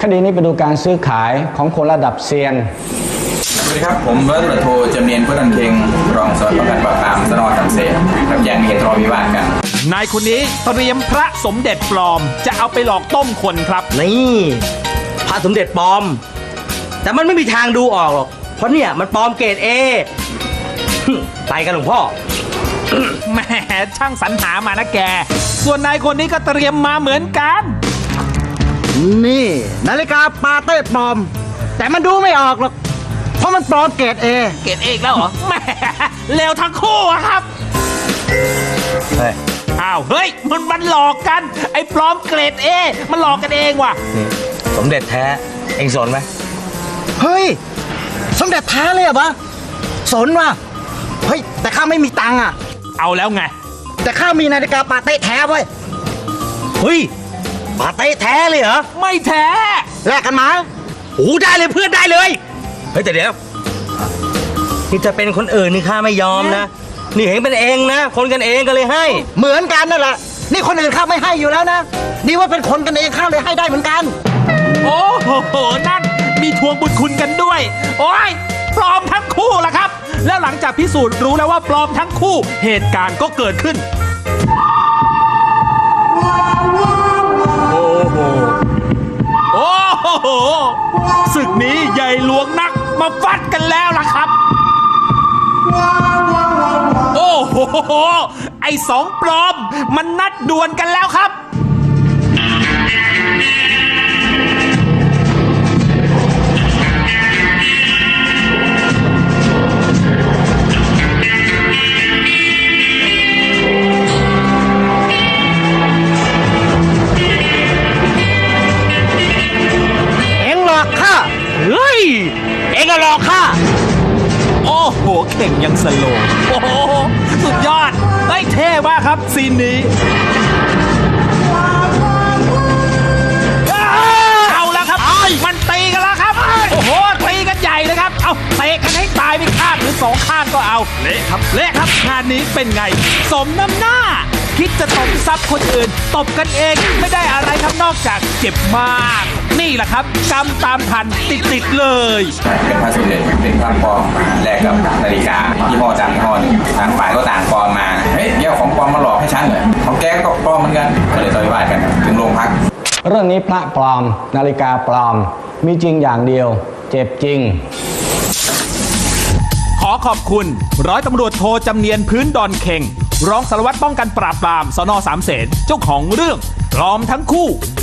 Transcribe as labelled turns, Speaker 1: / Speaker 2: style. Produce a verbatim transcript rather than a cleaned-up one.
Speaker 1: คดีนี้ไปดูการซื้อขายของคนระดับเซียน
Speaker 2: สวัสดีครับผมร้อยตำรวจโทจำเนียนพุทธันเพ็งรองสารวัตรป้องกันปราบปรามสน.สามเสนกับแจ้งมีเหตุทะเลาะวิวาทกัน
Speaker 3: นายคนนี้เตรียมพระสมเด็จปลอมจะเอาไปหลอกต้มคนครับ
Speaker 4: นี่พระสมเด็จปลอมแต่มันไม่มีทางดูออกหรอกเพราะเนี่ยมันปลอมเกรดเอไปกันหลวงพ่อ
Speaker 3: แหมช่างสรรหามานะแกส่วนนายคนนี้ก็เตรียมมาเหมือนกัน
Speaker 5: นี่นาฬิกาปาเต้ปลอมแต่มันดูไม่ออกหรอกเพราะมันปลอมเกรดเอ
Speaker 3: เกรดเอแล้วเหรอแหมเลวทั้งคู่อะครับ
Speaker 4: เฮ้ย
Speaker 3: อ้าวเฮ้ยมันมันหลอกกันไอ้ปลอมเกรดเอมันหลอกกันเองว่ะ
Speaker 4: นี่สมเด็จแท้เอ็งสนไหม
Speaker 5: เฮ้ยสมเด็จแท้เลยเหรอวะสนว่ะเฮ้ยแต่ข้าไม่มีตังค์อ่ะ
Speaker 3: เอาแล้วไง
Speaker 5: แต่ข้ามีนาฬิกาปาเต้แท้เว้ย
Speaker 4: เฮ้ยปาเต้แท้เลยเหรอ
Speaker 3: ไม่แท้
Speaker 5: แลกกันมา
Speaker 4: โอ้ได้เลยเพื่อนได้เลยเฮ้ยแต่เดี๋ยวนี่จะเป็นคนอื่นนี่ข้าไม่ยอมนะนี่เห็นเป็นเองนะคนกันเองก็เลยให้
Speaker 5: เหมือนกันนั่นแหละนี่คนอื่นข้าไม่ให้อยู่แล้วนะนี่ว่าเป็นคนกันเองข้าเลยให้ได้เหมือนกัน
Speaker 3: โอ้โหนั่นมีทวงบุญคุณกันด้วยโอ้ยปลอมทั้งคู่ล่ะครับแล้วหลังจากพิสูจน์รู้แล้วว่าปลอมทั้งคู่เหตุการณ์ก็เกิดขึ้นโอ้โหโอ้โหศึกนี้ใหญ่หลวงนักมาฟัดกันแล้วล่ะครับโอ้โหไอ้สองปลอมมันนัดดวลกันแล้วครับ
Speaker 5: เอ็งหลอกข้า
Speaker 3: เฮ้ย
Speaker 5: เอ็งก็หลอกข้า
Speaker 3: โอ้โหเข่งยังสโลว์โอ้โหสุดยอดเฮ้ยเท่มากครับซีนนี้เอาแล้วครับมันตีกันแล้วครับโอ้โหตีกันใหญ่เลยครับเอาเตะกันให้ตายไปข้างหรือสองข้างก็เอาเละครับเละครับงานนี้เป็นไงสมน้ำหน้าคิดจะตบซับคนอื่นตบกันเองไม่ได้อะไรครับนอกจากเจ็บมากนี่แหละครับกรรมตามทันติดๆเลย
Speaker 2: เป็นพระสมเด็จเป็นพระปลอมแลกกับนาฬิกายี่ห้อต่างยี่ห้อหนึ่งทางฝ่ายก็ต่างปลอมมาเฮ้ยแกของปลอมมาหลอกให้ฉันเหรอของแกก็ปลอมเหมือนกันก็เลยต่อยว่ากันถึงโรงพัก
Speaker 1: เรื่องนี้พระปลอมนาฬิกาปลอมมีจริงอย่างเดียวเจ็บจริง
Speaker 3: ขอขอบคุณร้อยตำรวจโทจำเนียนพื้นดอนเข่งรองสารวัตรป้องกันปราบปรามสน.สามเสนเจ้าของเรื่องปลอมทั้งคู่